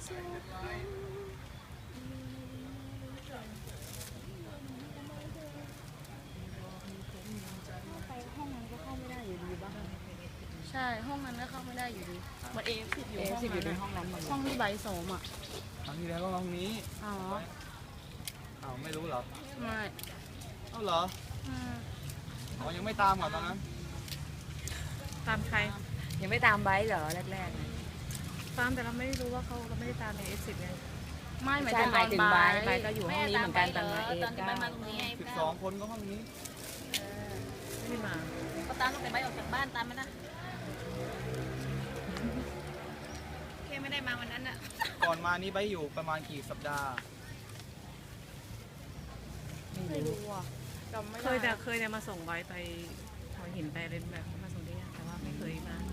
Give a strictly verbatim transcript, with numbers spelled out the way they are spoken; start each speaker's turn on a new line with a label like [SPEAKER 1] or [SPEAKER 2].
[SPEAKER 1] ไปห้องนั้นก็เข้าไม่ได้อยู่ดีบ้าง
[SPEAKER 2] ใช่ห้องนั้นก็เข้าไม่ได้อยู่ดีมันเอฟอยู่
[SPEAKER 1] เอ
[SPEAKER 2] ห้อง
[SPEAKER 1] สิบอยู่ใน
[SPEAKER 2] นั้น
[SPEAKER 1] ห้องนั้นหมด
[SPEAKER 2] ห้องที่ใบโสมอ่ะ
[SPEAKER 3] ครั้งที่แล้วก็ห้องนี้
[SPEAKER 2] อ๋อ
[SPEAKER 3] อ้าวไม่รู้เหรอ
[SPEAKER 2] ไม่
[SPEAKER 3] เอ้าเหรอ
[SPEAKER 2] อืม
[SPEAKER 3] อ๋อยังไม่ตามก่อนตอนนั้น
[SPEAKER 4] ตามใคร
[SPEAKER 1] ยังไม่ตามไบค์เหรอแรก
[SPEAKER 4] ตามแต่เราไม่รู้ว่าเขาเราไม่ได้ตามในเอฟสิบไง
[SPEAKER 2] ไม่ห
[SPEAKER 1] ๆ
[SPEAKER 2] มาย
[SPEAKER 1] ใช่
[SPEAKER 2] ถึง
[SPEAKER 1] หมายถึง
[SPEAKER 2] ตอน
[SPEAKER 1] ไบ
[SPEAKER 2] บ่าย
[SPEAKER 1] ค์ไบค์ก็อยู่ห้องนี้เหมือนกันตอนมาเอ
[SPEAKER 5] ตอนที่
[SPEAKER 1] เก้า
[SPEAKER 5] ไปมาตรงนี้ไง
[SPEAKER 3] สิบสองคนก็ห้องนี้
[SPEAKER 4] ไม่ได้มา
[SPEAKER 5] ก็ตามตั้งแต่ไปออกจากบ้านตามไหมนะแค่ไม่ได้มาวันนั้นอะ
[SPEAKER 3] ก่อนมานี่ไปอยู่ประมาณกี่สัปดาห์
[SPEAKER 2] ไม่รู้อ่ะจำไม่
[SPEAKER 4] เค
[SPEAKER 2] ได้
[SPEAKER 4] ยแต่เคยแต่มาส่งไว้ไปหัวหินไปอะไรแบบมาส่งที่นี่แต่ว่าไม่เคยมา